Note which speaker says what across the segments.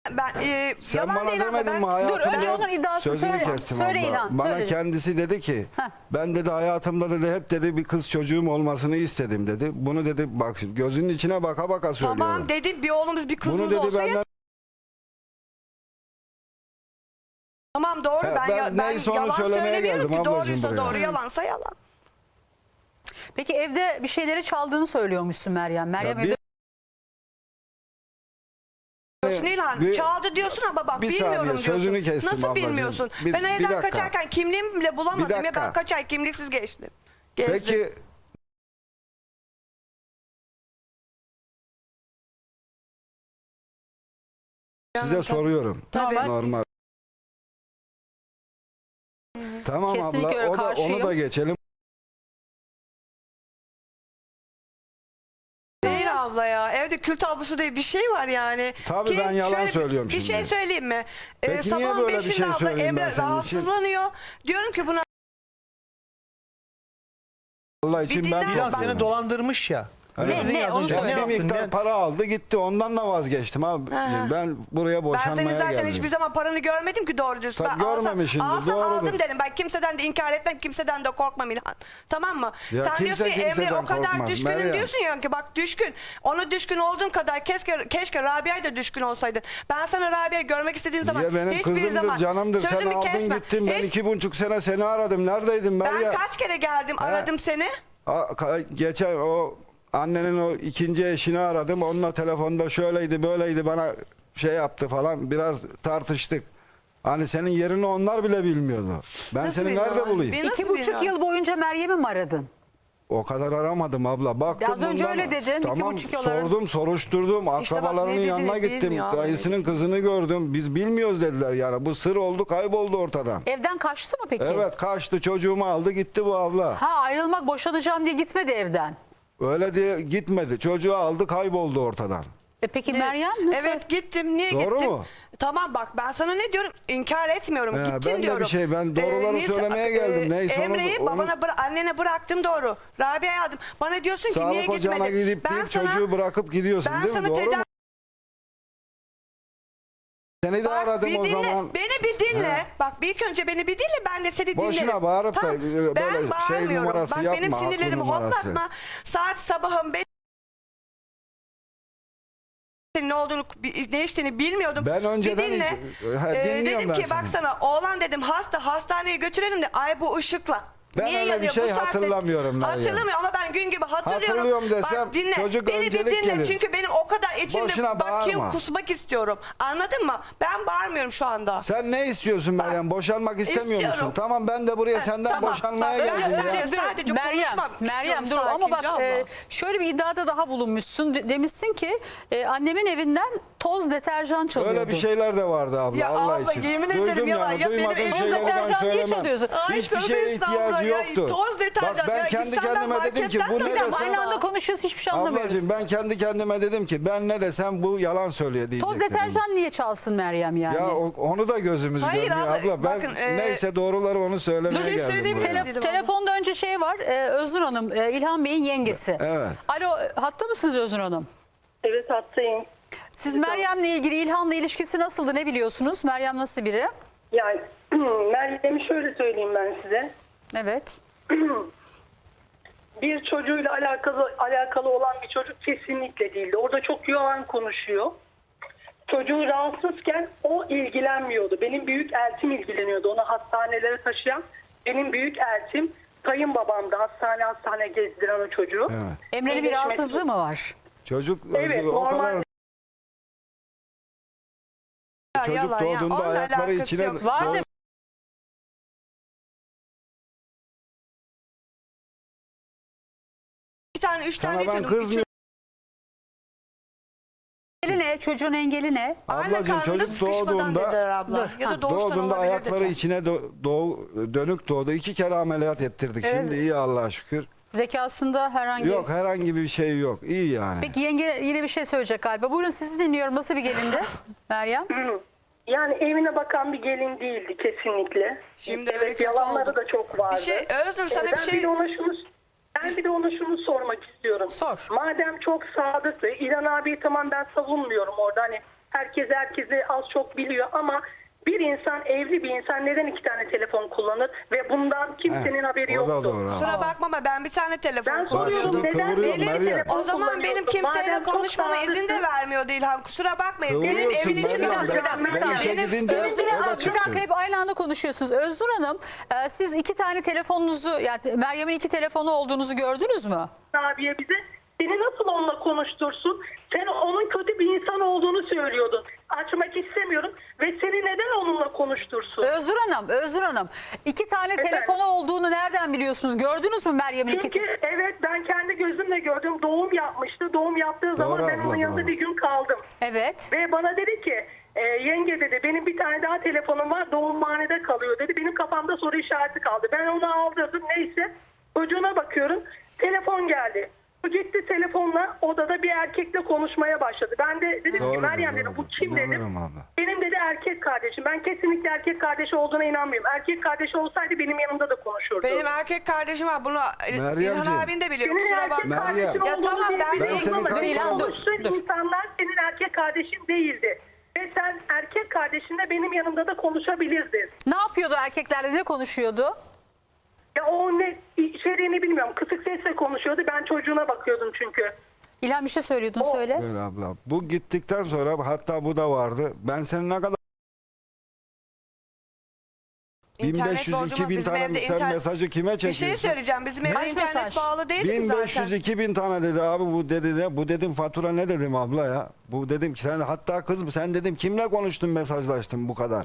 Speaker 1: Ben
Speaker 2: Sen
Speaker 1: yalan
Speaker 2: bana
Speaker 1: değil ama
Speaker 2: demedin mi
Speaker 1: ben...
Speaker 2: hayatımda?
Speaker 3: Dur, önce onun iddiasını
Speaker 2: Sözünü
Speaker 3: söyle.
Speaker 2: kestim
Speaker 3: Söyle
Speaker 2: abla.
Speaker 3: İlhan,
Speaker 2: Bana
Speaker 3: söyle.
Speaker 2: kendisi dedi ki
Speaker 3: Heh.
Speaker 2: ben dedi hayatımda dedi hep dedi bir kız çocuğum olmasını istedim dedi. Bunu dedi bak şimdi gözünün içine baka baka söylüyorum.
Speaker 1: Tamam dedim bir oğlumuz bir kızımız
Speaker 2: Bunu dedi
Speaker 1: olsa
Speaker 2: benden.
Speaker 1: Tamam doğru
Speaker 2: He,
Speaker 1: ben
Speaker 2: neyse onu
Speaker 1: yalan
Speaker 2: söylemeye
Speaker 1: söylemiyorum
Speaker 2: geldim
Speaker 1: ki
Speaker 2: ablacığım
Speaker 1: doğruysa
Speaker 2: buraya.
Speaker 1: doğru yalansa yalan.
Speaker 3: Peki evde bir şeyleri çaldığını söylüyormuşsun Meryem. Meryem
Speaker 2: Ya
Speaker 3: evde
Speaker 1: Diyorsun İlhan
Speaker 2: bir-
Speaker 1: çaldı diyorsun ama bak
Speaker 2: bir
Speaker 1: bilmiyorum
Speaker 2: saniye,
Speaker 1: diyorsun.
Speaker 2: sözünü kestim
Speaker 1: Nasıl
Speaker 2: ablacığım.
Speaker 1: bilmiyorsun?
Speaker 2: Bir
Speaker 1: Ben evden
Speaker 2: dakika.
Speaker 1: kaçarken kimliğimi bile bulamadım
Speaker 2: Bir
Speaker 1: ya
Speaker 2: dakika.
Speaker 1: ben kaç ay kimliksiz geçtim. Gezdim.
Speaker 2: Peki size soruyorum.
Speaker 3: Tabii.
Speaker 2: Normal. Tamam
Speaker 3: Kesinlikle öyle,
Speaker 2: abla onu
Speaker 3: karşıyım.
Speaker 2: da geçelim.
Speaker 1: Değil abla ya. Evde kül tablosu diye bir şey var yani.
Speaker 2: Tabii ben yalan
Speaker 1: şöyle
Speaker 2: söylüyorum
Speaker 1: bir şey
Speaker 2: şimdi.
Speaker 1: söyleyeyim mi?
Speaker 2: Peki niye
Speaker 1: Sabahın
Speaker 2: böyle bir
Speaker 1: 5'inde
Speaker 2: şey
Speaker 1: abla
Speaker 2: söyleyeyim ben
Speaker 1: Emre
Speaker 2: senin için?
Speaker 1: rahatsızlanıyor. Diyorum ki buna
Speaker 2: Allah için
Speaker 1: Bir
Speaker 2: ben
Speaker 1: dinler
Speaker 4: İlhan
Speaker 1: bak.
Speaker 4: seni dolandırmış ya. Öyle
Speaker 3: Ne,
Speaker 4: dedin
Speaker 3: ne?
Speaker 4: ya az
Speaker 3: Onu
Speaker 4: önce.
Speaker 3: söyle.
Speaker 4: Ne
Speaker 2: bir
Speaker 4: yaptın?
Speaker 2: miktar
Speaker 4: Ne-
Speaker 2: para aldı gitti ondan da vazgeçtim abi. Ben buraya
Speaker 1: ben
Speaker 2: boşanmaya
Speaker 1: senin zaten
Speaker 2: geldim.
Speaker 1: hiçbir zaman paranı görmedim ki doğru düz.
Speaker 2: Tabii
Speaker 1: Ben
Speaker 2: görmemişsindir,
Speaker 1: alsam
Speaker 2: doğrudur.
Speaker 1: aldım dedim. Ben kimseden de inkar etmem, kimseden de korkmam İlhan. Tamam mı?
Speaker 2: Ya
Speaker 1: Sen
Speaker 2: kimse
Speaker 1: diyorsun ki Emre
Speaker 2: kimseden
Speaker 1: o kadar
Speaker 2: korkmaz,
Speaker 1: düşkünüm
Speaker 2: Meryem.
Speaker 1: diyorsun ya ki bak düşkün. Ona düşkün olduğun kadar keşke Rabia'ya da düşkün olsaydın. Ben sana Rabia'yı görmek istediğin zaman
Speaker 2: Ya benim
Speaker 1: hiçbir
Speaker 2: kızımdır
Speaker 1: zaman
Speaker 2: canımdır sen
Speaker 1: sözümü
Speaker 2: aldın
Speaker 1: kesme.
Speaker 2: gittin ben
Speaker 1: Hiç-
Speaker 2: 2,5 sene seni aradım neredeydin
Speaker 1: Ben
Speaker 2: Meryem?
Speaker 1: kaç kere geldim aradım seni.
Speaker 2: Geçen o annenin o ikinci eşini aradım onunla telefonda şöyleydi böyleydi bana şey yaptı falan biraz tartıştık. Hani senin yerini onlar bile bilmiyordu. Ben
Speaker 1: Nasıl
Speaker 2: seni
Speaker 1: bilmiyorlar?
Speaker 2: nerede bulayım?
Speaker 1: Nasıl
Speaker 3: 2,5
Speaker 1: bilmiyorum?
Speaker 3: yıl boyunca Meryem'i mi aradın?
Speaker 2: O kadar aramadım abla. Baktım
Speaker 3: Az önce öyle dedin,
Speaker 2: Tamam
Speaker 3: 2,5 yıl aradım.
Speaker 2: sordum soruşturdum.
Speaker 1: İşte bak,
Speaker 2: Akrabalarının
Speaker 1: ne dediğini
Speaker 2: yanına gittim.
Speaker 1: bilmiyor abi.
Speaker 2: Dayısının kızını gördüm. Biz bilmiyoruz dediler yani. Bu sır oldu kayboldu ortadan.
Speaker 3: Evden kaçtı mı peki?
Speaker 2: Evet kaçtı çocuğumu aldı gitti bu abla.
Speaker 3: Ha, ayrılmak, boşanacağım diye gitmedi evden.
Speaker 2: Öyle diye gitmedi. Çocuğu aldı kayboldu ortadan.
Speaker 3: Peki Meryem nasıl?
Speaker 1: Evet gittim. Niye
Speaker 2: Doğru
Speaker 1: gittim?
Speaker 2: mu?
Speaker 1: Tamam bak ben sana ne diyorum? İnkar etmiyorum.
Speaker 2: Ya,
Speaker 1: Gittim
Speaker 2: ben de
Speaker 1: diyorum.
Speaker 2: bir şey, ben doğruları söylemeye geldim. Neyse onu-
Speaker 1: Emre'yi
Speaker 2: onu-
Speaker 1: annene bıraktım doğru. Rabia'ya aldım. Bana diyorsun ki niye
Speaker 2: Sağlık ocağına
Speaker 1: gitmedin?
Speaker 2: gidip deyip çocuğu bırakıp gidiyorsun
Speaker 1: ben
Speaker 2: değil mi?
Speaker 1: sana
Speaker 2: Doğru
Speaker 1: tedavi-
Speaker 2: mu? Seni de
Speaker 1: Bak,
Speaker 2: aradım
Speaker 1: bir
Speaker 2: o
Speaker 1: dinle,
Speaker 2: zaman.
Speaker 1: beni bir dinle.
Speaker 2: He.
Speaker 1: Bak bir ilk önce beni bir dinle ben de seni dinlerim.
Speaker 2: Boşuna bağırıp da böyle
Speaker 1: ben
Speaker 2: şey
Speaker 1: bağırmıyorum.
Speaker 2: numarası
Speaker 1: Bak
Speaker 2: yapma,
Speaker 1: benim
Speaker 2: haklı
Speaker 1: sinirlerimi
Speaker 2: numarası.
Speaker 1: hoplatma. Saat sabahın 5 ne olduğunu ne içtiğini bilmiyordum.
Speaker 2: Ben önceden
Speaker 1: Bir dinle.
Speaker 2: dinliyorum
Speaker 1: dedim
Speaker 2: ben
Speaker 1: ki
Speaker 2: seni.
Speaker 1: baksana oğlan dedim hastaneye götürelim de ay bu ışıkla.
Speaker 2: Ben
Speaker 1: Niye
Speaker 2: öyle bir
Speaker 1: yanıyor
Speaker 2: şey
Speaker 1: bu saatte?
Speaker 2: hatırlamıyorum Meryem.
Speaker 1: Hatırlamıyorum ama ben gün gibi hatırlıyorum.
Speaker 2: Hatırlıyorum desem
Speaker 1: Bak dinle.
Speaker 2: çocuk
Speaker 1: Beni bir
Speaker 2: öncelik
Speaker 1: dinle
Speaker 2: gelir.
Speaker 1: çünkü benim o kadar içimde
Speaker 2: Boşuna
Speaker 1: bakayım
Speaker 2: bağırma.
Speaker 1: kusmak istiyorum. Anladın mı? Ben bağırmıyorum şu anda.
Speaker 2: Sen ne istiyorsun Meryem? Boşanmak istemiyor
Speaker 1: İstiyorum.
Speaker 2: musun? Tamam ben de buraya senden
Speaker 1: tamam.
Speaker 2: boşanmaya
Speaker 1: Bak,
Speaker 2: geldim
Speaker 1: önce-
Speaker 2: ya.
Speaker 1: Sadece
Speaker 3: Meryem,
Speaker 1: konuşmak
Speaker 3: Meryem dur
Speaker 1: istiyorum
Speaker 3: ama bak
Speaker 1: sakince abla.
Speaker 3: şöyle bir iddiada daha bulunmuşsun. Demişsin ki annemin evinden toz deterjan çalıyordu.
Speaker 2: Öyle bir şeyler de vardı abla
Speaker 1: Ya
Speaker 2: Allah
Speaker 1: abla,
Speaker 2: için.
Speaker 1: yemin ederim
Speaker 2: Duydum
Speaker 1: yalan.
Speaker 2: yani
Speaker 1: Ya benim
Speaker 2: duymadığım
Speaker 1: evim-
Speaker 2: şeyleri
Speaker 3: Toz
Speaker 2: ben
Speaker 3: deterjan niye
Speaker 2: söylemem.
Speaker 3: çalıyorsun?
Speaker 1: Ay,
Speaker 2: Hiçbir
Speaker 1: tövbe
Speaker 2: şeye
Speaker 1: estağfurullah
Speaker 2: ihtiyacı
Speaker 1: ya.
Speaker 2: yoktu.
Speaker 1: Toz deterjan
Speaker 2: Bak ben
Speaker 1: ya.
Speaker 2: kendi
Speaker 1: İnsanlar
Speaker 2: kendime dedim ki
Speaker 1: marketten
Speaker 2: bu
Speaker 1: de
Speaker 2: ne
Speaker 1: alıyor.
Speaker 2: desem.
Speaker 3: Aynı anda konuşuyoruz, hiçbir şey anlamıyoruz.
Speaker 2: Ablacığım ben kendi kendime dedim ki ben ne desem bu yalan söylüyor diyecek
Speaker 3: Toz
Speaker 2: dedim.
Speaker 3: deterjan niye çalsın Meryem yani?
Speaker 2: Ya onu da gözümüz
Speaker 1: Hayır
Speaker 2: görmüyor
Speaker 1: abla,
Speaker 2: abla. Ben
Speaker 1: bakın,
Speaker 2: neyse doğruları onu söylemeye
Speaker 1: Bir şey
Speaker 2: geldim
Speaker 1: söyleyeyim mi?
Speaker 2: buraya.
Speaker 1: Dedim
Speaker 3: Telefonda önce şey var, Öznur Hanım, İlhan Bey'in yengesi.
Speaker 2: Evet.
Speaker 3: Alo, hatta mısınız Öznur Hanım?
Speaker 5: Evet hattayım.
Speaker 3: Siz Meryem'le ilgili İlhan'la ilişkisi nasıldı, ne biliyorsunuz? Meryem nasıl biri?
Speaker 5: Yani Meryem'i şöyle söyleyeyim ben size.
Speaker 3: Evet.
Speaker 5: Bir çocuğuyla alakalı olan bir çocuk kesinlikle değildi. Orada çok yalan konuşuyor. Çocuğu rahatsızken o ilgilenmiyordu. Benim büyük eltim ilgileniyordu. Onu hastanelere taşıyan benim büyük eltim kayınbabamdı. Hastane gezdiren o çocuğu.
Speaker 2: Evet.
Speaker 3: Emre'nin bir rahatsızlığı mı var?
Speaker 2: Çocuk
Speaker 5: Evet,
Speaker 2: o
Speaker 5: normal.
Speaker 2: kadar
Speaker 1: Ya,
Speaker 2: çocuk
Speaker 1: yalan ya.
Speaker 2: doğduğunda
Speaker 1: Onunla
Speaker 2: ayakları
Speaker 1: alakası
Speaker 2: içine
Speaker 1: yok.
Speaker 3: Vardı.
Speaker 1: Bir tane, üç tane
Speaker 2: sana ben
Speaker 1: diyordum.
Speaker 2: kızmıyorum.
Speaker 3: Engeli ne? Çocuğun engeli ne?
Speaker 1: Anne
Speaker 2: Ablacığım
Speaker 1: karnında
Speaker 2: çocuk
Speaker 1: sıkışmadan dediler
Speaker 2: doğduğunda
Speaker 1: abla. Ya da doğuştan
Speaker 2: doğduğunda
Speaker 1: olabilir
Speaker 2: ayakları
Speaker 1: dediler.
Speaker 2: içine dönük doğdu. 2 kere ameliyat ettirdik.
Speaker 3: Evet.
Speaker 2: Şimdi iyi Allah'a şükür.
Speaker 3: Zekasında herhangi...
Speaker 2: Yok herhangi bir şey yok. İyi yani.
Speaker 3: Peki yenge yine bir şey söyleyecek galiba. Buyurun sizi dinliyorum. Nasıl bir gelindi Meryem?
Speaker 5: Yani evine bakan bir gelin değildi kesinlikle.
Speaker 1: Şimdi öyle
Speaker 5: evet
Speaker 1: kötü
Speaker 5: yalanları
Speaker 1: oldu.
Speaker 5: da çok vardı.
Speaker 1: Bir şey Öznur sana bir
Speaker 5: Ben
Speaker 1: şey...
Speaker 5: bir de ona şunu sormak istiyorum.
Speaker 3: Sor.
Speaker 5: Madem çok sadıktı, İlhan abi tamam ben savunmuyorum orada hani Herkes herkesi az çok biliyor ama bir insan, evli bir insan neden 2 tane telefon kullanır ve bundan kimsenin haberi
Speaker 2: O da
Speaker 5: yoktu.
Speaker 2: doğru.
Speaker 1: Kusura bakma ama ben bir tane telefon
Speaker 5: Ben
Speaker 1: kullanıyordum.
Speaker 5: soruyorum
Speaker 2: şimdi
Speaker 5: neden
Speaker 2: kıvırıyorum
Speaker 5: belli bir
Speaker 2: Meryem.
Speaker 5: telefon
Speaker 1: O zaman benim
Speaker 5: kullanıyorsun?
Speaker 1: kimseyle
Speaker 5: Madem çok
Speaker 1: konuşmama izin de
Speaker 5: sadıksın.
Speaker 1: vermiyordu İlhan. Kusura bakmayın. Benim
Speaker 2: Kıvırıyorsun
Speaker 1: evin içinde
Speaker 2: Meryem.
Speaker 1: oturan
Speaker 5: Ben
Speaker 2: Ben işe
Speaker 1: benim
Speaker 2: gidince
Speaker 3: Özgür
Speaker 2: o da
Speaker 3: Hanım, bir
Speaker 2: çıktı.
Speaker 3: dakika, hep aynı anda konuşuyorsunuz. Özgür Hanım, siz 2 tane telefonunuzu, yani Meryem'in 2 telefonu olduğunuzu gördünüz mü?
Speaker 5: Abiye bize seni nasıl onunla konuştursun? Sen onun kötü bir insan olduğunu söylüyordun. Açmak istemiyorum ve seni neden onunla konuştursun?
Speaker 3: Özgür Hanım, 2 tane
Speaker 5: Efendim?
Speaker 3: telefonu olduğunu nereden biliyorsunuz? Gördünüz mü Meryem'in 2
Speaker 5: Çünkü evet ben kendi gözümle gördüm. Doğum yapmıştı. Doğum yaptığı zaman
Speaker 2: Doğru
Speaker 5: ben onun
Speaker 2: abla,
Speaker 5: yanında
Speaker 2: doğru.
Speaker 5: bir gün kaldım.
Speaker 3: Evet.
Speaker 5: Ve bana dedi ki yenge dedi benim bir tane daha telefonum var doğumhanede kalıyor dedi. Benim kafamda soru işareti kaldı. Ben onu aldırdım neyse çocuğuna bakıyorum telefon geldi. O gitti telefonla odada bir erkekle konuşmaya başladı. Ben de dedim ki
Speaker 2: Doğru,
Speaker 5: Meryem
Speaker 2: doğru.
Speaker 5: dedim bu kim dedim.
Speaker 2: İnanırım abla.
Speaker 5: Benim dedi erkek kardeşim. Ben kesinlikle erkek kardeşi olduğuna inanmıyorum. Erkek kardeşi olsaydı benim yanımda da konuşurdu.
Speaker 1: Benim erkek kardeşim var. Bunu
Speaker 2: Meryemciğim.
Speaker 1: İlhan abin de biliyor.
Speaker 5: Senin
Speaker 1: Kusura
Speaker 5: erkek
Speaker 1: bakma.
Speaker 2: Meryem.
Speaker 5: kardeşin
Speaker 1: Ya
Speaker 5: olduğunu
Speaker 1: tamam, ben
Speaker 5: diyebilirim
Speaker 2: senin
Speaker 5: ama
Speaker 2: kaç-
Speaker 5: benim
Speaker 3: İlhan, dur,
Speaker 5: konuştuğum
Speaker 3: dur.
Speaker 5: insanlar senin erkek kardeşin değildi. Ve sen erkek kardeşinle benim yanımda da konuşabilirdin.
Speaker 3: Ne yapıyordu, erkeklerle ne konuşuyordu?
Speaker 5: Ya o ne içeriğini bilmiyorum. Kısık sesle konuşuyordu. Ben çocuğuna bakıyordum çünkü.
Speaker 3: İlhan bir şey söylüyordun, söyle.
Speaker 2: Böyle abla. Bu gittikten sonra hatta bu da vardı. Ben senin ne kadar
Speaker 1: İnternet
Speaker 2: 1500
Speaker 1: borcum var.
Speaker 2: 2000
Speaker 1: Bizim
Speaker 2: tane
Speaker 1: evde
Speaker 2: sen mesajı kime
Speaker 1: Bir şey
Speaker 2: çekiyorsun?
Speaker 1: söyleyeceğim. Bizim evde
Speaker 3: Kaç
Speaker 1: internet
Speaker 3: mesaj?
Speaker 1: bağlı değil ki
Speaker 2: 1500
Speaker 1: zaten.
Speaker 2: 2000 tane dedi abi bu dedi de bu dedim fatura ne dedim abla ya. Bu dedim ki sen hatta kız sen dedim kimle konuştun mesajlaştın bu kadar.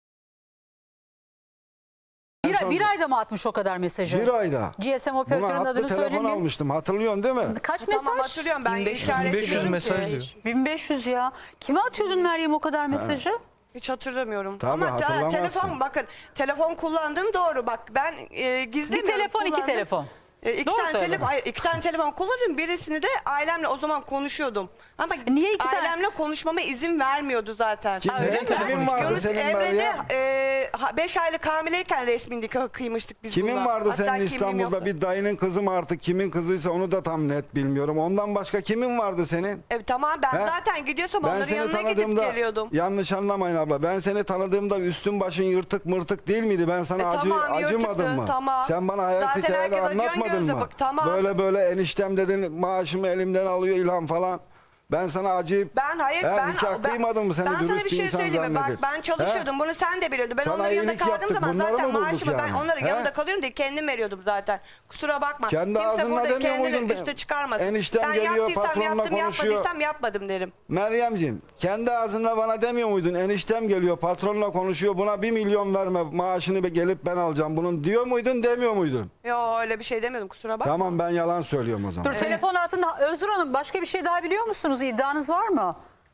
Speaker 3: Bir ayda mı atmış o kadar mesajı?
Speaker 2: Bir ayda.
Speaker 3: GSM
Speaker 2: Buna
Speaker 3: operatörünün
Speaker 2: hattı
Speaker 3: adını
Speaker 2: telefon
Speaker 3: söylemeyin.
Speaker 2: almıştım hatırlıyorsun değil mi?
Speaker 3: Kaç
Speaker 1: Tamam
Speaker 3: mesaj?
Speaker 1: hatırlıyorum ben
Speaker 4: 1500
Speaker 1: işaretliyorum
Speaker 4: mesaj
Speaker 1: ki.
Speaker 4: diyor.
Speaker 3: 1500 ya. Kime atıyordun Meryem o kadar mesajı?
Speaker 1: Hiç hatırlamıyorum.
Speaker 2: Tabii,
Speaker 1: Ama
Speaker 2: hatırlamazsın.
Speaker 1: telefon bakın telefon kullandığım doğru. Bak ben gizlemiyorum.
Speaker 3: Bir telefon, 2
Speaker 1: kullandım.
Speaker 3: telefon.
Speaker 1: İki
Speaker 3: Doğru
Speaker 1: tane
Speaker 3: söyle.
Speaker 1: telefon, hayır, 2 tane telefon kullanıyorum. Birisini de ailemle o zaman konuşuyordum. Ama
Speaker 3: Niye 2 tane?
Speaker 1: ailemle konuşmama izin vermiyordu zaten.
Speaker 2: Kim,
Speaker 3: öyle mi?
Speaker 2: kimin vardı
Speaker 1: Yunus
Speaker 2: senin
Speaker 1: Emre'de
Speaker 2: Meryem?
Speaker 1: 5 aylık hamileyken resmi nikah kıymıştık biz
Speaker 2: Kimin
Speaker 1: bununla.
Speaker 2: vardı
Speaker 1: Hatta
Speaker 2: senin
Speaker 1: kimliğim
Speaker 2: İstanbul'da
Speaker 1: yoktu.
Speaker 2: bir dayının kızı mı artık kimin kızıysa onu da tam net bilmiyorum. Ondan başka kimin vardı senin?
Speaker 1: Tamam ben
Speaker 2: He?
Speaker 1: zaten gidiyorsam
Speaker 2: Ben
Speaker 1: onların
Speaker 2: seni
Speaker 1: yanına gidip
Speaker 2: tanıdığımda
Speaker 1: geliyordum.
Speaker 2: yanlış anlamayın abla. Ben seni tanıdığımda üstün başın yırtık mırtık değil miydi? Ben sana
Speaker 1: Tamam,
Speaker 2: acımadım
Speaker 1: yırtıktı,
Speaker 2: mı?
Speaker 1: tamam.
Speaker 2: Sen bana hayat
Speaker 1: Zaten
Speaker 2: hikayeni
Speaker 1: herkes acıyan
Speaker 2: anlatmadın
Speaker 1: gözle
Speaker 2: mı?
Speaker 1: bak, tamam.
Speaker 2: Böyle eniştem dedin maaşımı elimden alıyor İlhan falan. Ben sana acıyıp
Speaker 1: Ben hayır ben
Speaker 2: nikah kıymadın mı seni
Speaker 1: ben sana
Speaker 2: dürüst
Speaker 1: bir
Speaker 2: bir
Speaker 1: şey
Speaker 2: insan
Speaker 1: söyleyeyim mi? Bak
Speaker 2: zannedip?
Speaker 1: ben çalışıyordum. Bunu sen de biliyordun. Ben
Speaker 2: Sana
Speaker 1: onların yanında
Speaker 2: iyilik
Speaker 1: kaldığım
Speaker 2: yaptık,
Speaker 1: zaman
Speaker 2: bunları
Speaker 1: zaten
Speaker 2: mı bulduk
Speaker 1: maaşımı ben
Speaker 2: yani?
Speaker 1: onların
Speaker 2: He?
Speaker 1: yanında kalıyorum diye kendim veriyordum zaten. Kusura bakma.
Speaker 2: Kendi
Speaker 1: Kimse
Speaker 2: ağzınla
Speaker 1: burada
Speaker 2: demiyor
Speaker 1: kendini
Speaker 2: muydun?
Speaker 1: üste çıkarmasın.
Speaker 2: Eniştem
Speaker 1: ben
Speaker 2: geliyor,
Speaker 1: yaptıysam
Speaker 2: patronla
Speaker 1: yaptım,
Speaker 2: konuşuyor.
Speaker 1: yapmadıysam yapmadım derim.
Speaker 2: Meryemciğim kendi ağzınla bana demiyor muydun? Eniştem geliyor patronla konuşuyor buna 1 milyon verme maaşını gelip ben alacağım bunun diyor muydun demiyor muydun?
Speaker 1: Yo öyle bir şey demiyordum kusura bakma.
Speaker 2: Tamam ben yalan söylüyorum o zaman.
Speaker 3: Dur, telefon altında Özgür Hanım, başka bir şey daha biliyor musunuz? İddianız var mı?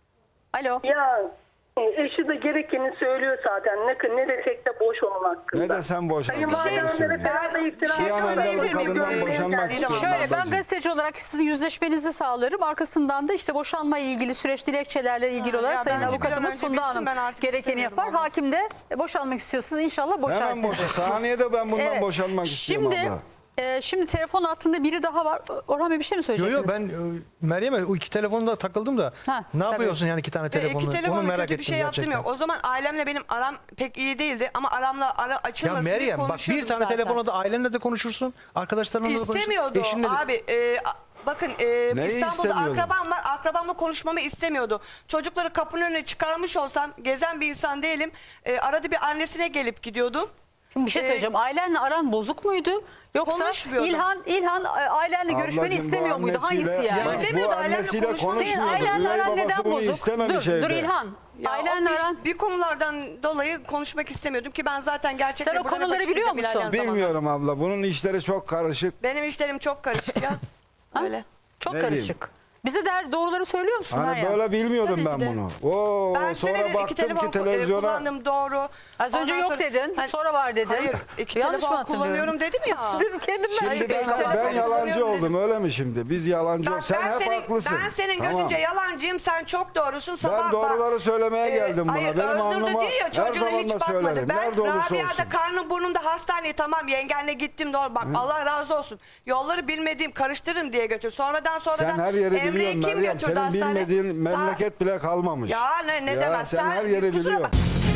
Speaker 3: Alo.
Speaker 5: Ya eşi de gerekeni söylüyor zaten. Ne desek de boş onun hakkında.
Speaker 2: Ne desem boş.
Speaker 5: Kayınvalidelere falan da iftira
Speaker 2: Bir an
Speaker 5: atıyorlar.
Speaker 2: evvel o kadından
Speaker 5: Görmeye
Speaker 2: boşanmak
Speaker 5: geldiği
Speaker 2: istiyorum.
Speaker 5: zaman.
Speaker 3: Şöyle, ben
Speaker 2: ablacığım.
Speaker 3: gazeteci olarak sizin yüzleşmenizi sağlarım. Arkasından da işte boşanmayla ilgili süreç dilekçelerle ilgili olarak
Speaker 1: ya
Speaker 3: sayın
Speaker 1: bence bir an
Speaker 3: avukatımız
Speaker 1: önce
Speaker 3: Funda
Speaker 1: bitsin,
Speaker 3: Hanım
Speaker 1: ben artık
Speaker 3: gerekeni
Speaker 1: istemiyorum
Speaker 3: yapar.
Speaker 1: ama.
Speaker 3: Hakim de boşanmak istiyorsunuz. İnşallah boşar
Speaker 2: Hemen
Speaker 3: sizi.
Speaker 2: boşa. Saniyede ben bundan
Speaker 3: Evet.
Speaker 2: boşanmak istiyorum
Speaker 3: Şimdi,
Speaker 2: abla.
Speaker 3: şimdi telefon hattında biri daha var. Orhan Bey bir şey mi
Speaker 4: Yo
Speaker 3: söyleyecektiniz?
Speaker 4: ben Meryem'e o 2 telefonda takıldım da
Speaker 3: Ha,
Speaker 4: ne
Speaker 3: tabii.
Speaker 4: yapıyorsun yani 2 tane telefonla?
Speaker 1: İki
Speaker 4: Onu
Speaker 1: telefonla
Speaker 4: merak
Speaker 1: kötü
Speaker 4: ettim
Speaker 1: bir şey yaptım
Speaker 4: gerçekten.
Speaker 1: yok. O zaman ailemle benim aram pek iyi değildi ama aramla ara
Speaker 4: Ya
Speaker 1: açılmasın diye
Speaker 4: Meryem bak bir
Speaker 1: konuşuyordum
Speaker 4: tane
Speaker 1: zaten.
Speaker 4: telefonla da ailenle de konuşursun. Arkadaşlarınla da konuşursun.
Speaker 1: İstemiyordu
Speaker 4: Eşinle de.
Speaker 1: abi. Bakın
Speaker 2: Neyi
Speaker 1: İstanbul'da
Speaker 2: istemiyordu?
Speaker 1: akrabam var. Akrabamla konuşmamı istemiyordu. Çocukları kapının önüne çıkarmış olsam gezen bir insan değilim. Arada bir annesine gelip gidiyordum.
Speaker 3: Şimdi bir şey söyleyeceğim. Ailenle aran bozuk muydu? Yoksa
Speaker 1: Konuşmuyordum.
Speaker 3: İlhan ailenle görüşmeni
Speaker 2: Ablacığım, bu
Speaker 3: istemiyor muydu?
Speaker 2: annesiyle-
Speaker 3: Hangisi yani?
Speaker 2: Bak,
Speaker 1: İstemiyordu,
Speaker 2: bu
Speaker 1: ailemle
Speaker 2: annesiyle
Speaker 1: konuşmasını
Speaker 3: Senin
Speaker 2: konuşmuyordu.
Speaker 3: ailenle
Speaker 2: Üvey
Speaker 3: aran
Speaker 2: babası
Speaker 3: neden
Speaker 2: bunu
Speaker 3: bozuk?
Speaker 2: istememiş
Speaker 3: Dur
Speaker 2: evde.
Speaker 3: İlhan.
Speaker 1: Ya
Speaker 3: Ailenle aran...
Speaker 1: bir konulardan dolayı konuşmak istemiyordum ki ben zaten gerçekten
Speaker 3: Sen o
Speaker 1: buralara
Speaker 3: konuları
Speaker 1: bakıp
Speaker 3: biliyor
Speaker 1: gidip
Speaker 3: musun?
Speaker 1: ilerleyen zamanlar.
Speaker 2: Bilmiyorum abla. Bunun işleri çok karışık.
Speaker 1: Benim işlerim çok karışık ya. Öyle.
Speaker 3: Çok
Speaker 2: Ne
Speaker 3: karışık. Bize doğruları söylüyor musun
Speaker 2: Hani
Speaker 3: Meryem?
Speaker 2: böyle bilmiyordum
Speaker 1: Tabii
Speaker 2: ben
Speaker 1: ki de.
Speaker 2: bunu. Oo,
Speaker 1: Ben
Speaker 2: sonra
Speaker 1: senedir
Speaker 2: baktım ki
Speaker 1: telefon
Speaker 2: televizyona
Speaker 1: kullandım doğru.
Speaker 3: Az önce
Speaker 1: Ondan
Speaker 3: yok
Speaker 1: sonra-
Speaker 3: dedin,
Speaker 1: Hani-
Speaker 3: sonra var dedin.
Speaker 1: Hayır, iki
Speaker 3: Yanlış mı
Speaker 1: telefon
Speaker 3: hatırlıyorum?
Speaker 1: kullanıyorum dedim ya.
Speaker 3: Dedim kendim ben.
Speaker 2: Şimdi
Speaker 1: Hayır,
Speaker 2: ben
Speaker 1: telefon
Speaker 2: yalancı
Speaker 1: kullanıyorum
Speaker 2: oldum öyle mi şimdi? Biz yalancı
Speaker 1: Bak,
Speaker 2: olduk. Sen hep haklısın.
Speaker 1: Ben senin
Speaker 2: Tamam.
Speaker 1: gözünce yalancıyım, sen çok doğrusun. Sabah
Speaker 2: Ben doğruları söylemeye geldim buna.
Speaker 1: Hayır,
Speaker 2: Benim
Speaker 1: Özgür de
Speaker 2: alnıma
Speaker 1: diyor ya
Speaker 2: her
Speaker 1: çocuğuna
Speaker 2: zaman
Speaker 1: hiç
Speaker 2: da
Speaker 1: bakmadı.
Speaker 2: söylerim.
Speaker 1: Ben
Speaker 2: Nerede olursa olsun.
Speaker 1: Rabia'da karnım burnumda hastaneye tamam yengenle gittim doğru. Bak Allah razı olsun. Yolları bilmediğim karıştırırım diye götür. Sonradan
Speaker 2: Sen her yeri
Speaker 1: Emre
Speaker 2: biliyorum
Speaker 1: kim
Speaker 2: Meryem.
Speaker 1: götürdü
Speaker 2: Senin
Speaker 1: hastaneye?
Speaker 2: bilmediğin memleket bile kalmamış.
Speaker 1: Ya ne
Speaker 2: Ya
Speaker 1: demez.
Speaker 2: sen her yeri
Speaker 1: kusura
Speaker 2: biliyorsun.
Speaker 1: bak-